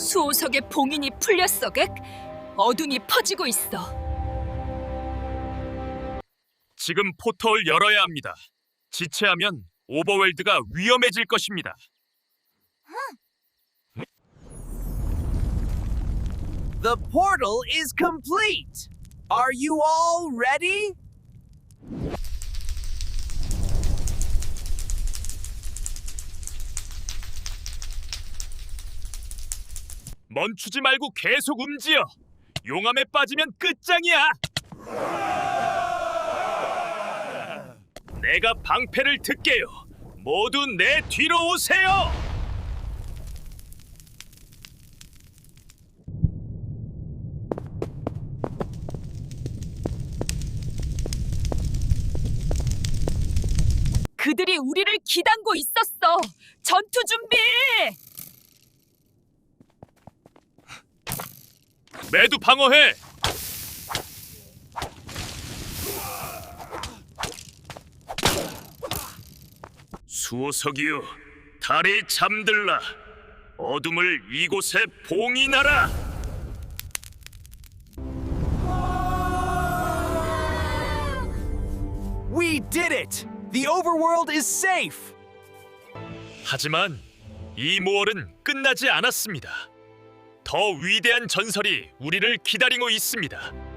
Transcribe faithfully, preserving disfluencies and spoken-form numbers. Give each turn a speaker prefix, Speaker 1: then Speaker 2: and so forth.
Speaker 1: 수호석의 봉인이 풀렸어, 객. 어둠이 퍼지고 있어.
Speaker 2: 지금 포털을 열어야 합니다. 지체하면 오버월드가 위험해질 것입니다.
Speaker 3: The portal is complete. Are you all ready?
Speaker 2: 멈추지 말고 계속 움직여. 용암에 빠지면 끝장이야. 내가 방패를 듣게요. 모두 내 뒤로 오세요.
Speaker 1: 그들이 우리를 기다리고 있었어. 전투 준비!
Speaker 2: 매두 방어해. 수호석이여, 달이 잠들라. 어둠을 이곳에 봉인하라.
Speaker 3: We did it! The overworld is safe!
Speaker 2: 하지만 이 모험은 끝나지 않았습니다. 더 위대한 전설이 우리를 기다리고 있습니다.